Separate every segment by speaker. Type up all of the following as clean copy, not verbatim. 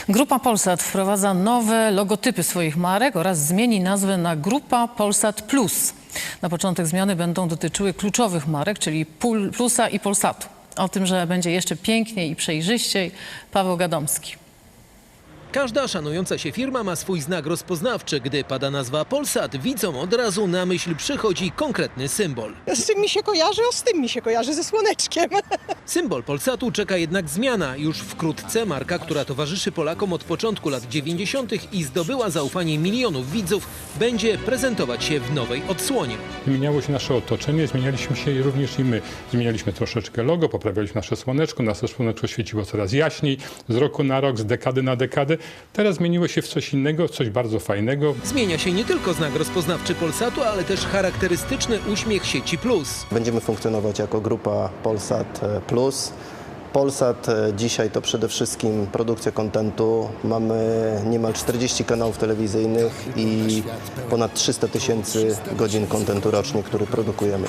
Speaker 1: Grupa Polsat wprowadza nowe logotypy swoich marek oraz zmieni nazwę na Grupa Polsat Plus. Na początek zmiany będą dotyczyły kluczowych marek, czyli Plusa i Polsatu. O tym, że będzie jeszcze piękniej i przejrzyściej, Paweł Gadomski.
Speaker 2: Każda szanująca się firma ma swój znak rozpoznawczy. Gdy pada nazwa Polsat, widzom od razu na myśl przychodzi konkretny symbol.
Speaker 3: Z tym mi się kojarzy, z tym mi się kojarzy, ze słoneczkiem.
Speaker 2: Symbol Polsatu czeka jednak zmiana. Już wkrótce marka, która towarzyszy Polakom od początku lat 90. i zdobyła zaufanie milionów widzów, będzie prezentować się w nowej odsłonie.
Speaker 4: Zmieniało się nasze otoczenie, zmienialiśmy się również i my. Zmienialiśmy troszeczkę logo, poprawialiśmy nasze słoneczko świeciło coraz jaśniej, z roku na rok, z dekady na dekadę. Teraz zmieniło się w coś innego, w coś bardzo fajnego.
Speaker 2: Zmienia się nie tylko znak rozpoznawczy Polsatu, ale też charakterystyczny uśmiech sieci Plus.
Speaker 5: Będziemy funkcjonować jako grupa Polsat Plus. Polsat dzisiaj to przede wszystkim produkcja kontentu. Mamy niemal 40 kanałów telewizyjnych i ponad 300 000 godzin kontentu rocznie, który produkujemy.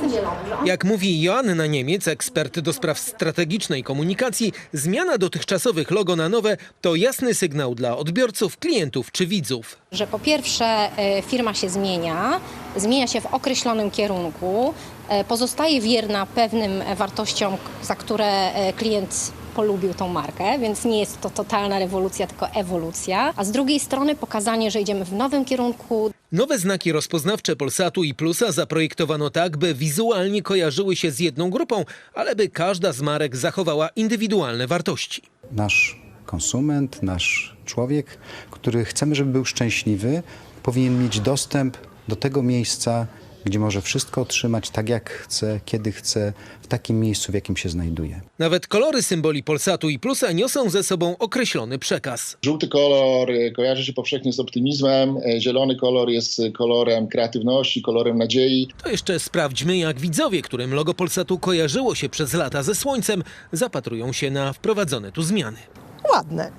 Speaker 2: Jak mówi Joanna Niemiec, ekspert do spraw strategicznej komunikacji, zmiana dotychczasowych logo na nowe to jasny sygnał dla odbiorców, klientów czy widzów.
Speaker 6: Że po pierwsze firma się zmienia się w określonym kierunku, pozostaje wierna pewnym wartościom, za które klient polubił tą markę, więc nie jest to totalna rewolucja, tylko ewolucja. A z drugiej strony pokazanie, że idziemy w nowym kierunku.
Speaker 2: Nowe znaki rozpoznawcze Polsatu i Plusa zaprojektowano tak, by wizualnie kojarzyły się z jedną grupą, ale by każda z marek zachowała indywidualne wartości.
Speaker 7: Nasz konsument, nasz człowiek, który chcemy, żeby był szczęśliwy, powinien mieć dostęp do tego miejsca, gdzie może wszystko otrzymać tak jak chce, kiedy chce, w takim miejscu, w jakim się znajduje.
Speaker 2: Nawet kolory symboli Polsatu i Plusa niosą ze sobą określony przekaz.
Speaker 8: Żółty kolor kojarzy się powszechnie z optymizmem, zielony kolor jest kolorem kreatywności, kolorem nadziei.
Speaker 2: To jeszcze sprawdźmy, jak widzowie, którym logo Polsatu kojarzyło się przez lata ze słońcem, zapatrują się na wprowadzone tu zmiany.
Speaker 3: Ładne.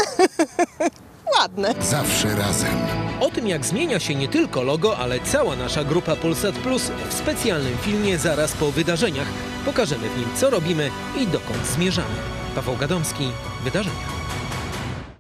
Speaker 3: Ładne.
Speaker 9: Zawsze razem.
Speaker 2: O tym, jak zmienia się nie tylko logo, ale cała nasza grupa Polsat Plus w specjalnym filmie zaraz po wydarzeniach. Pokażemy w nim, co robimy i dokąd zmierzamy. Paweł Gadomski, Wydarzenia.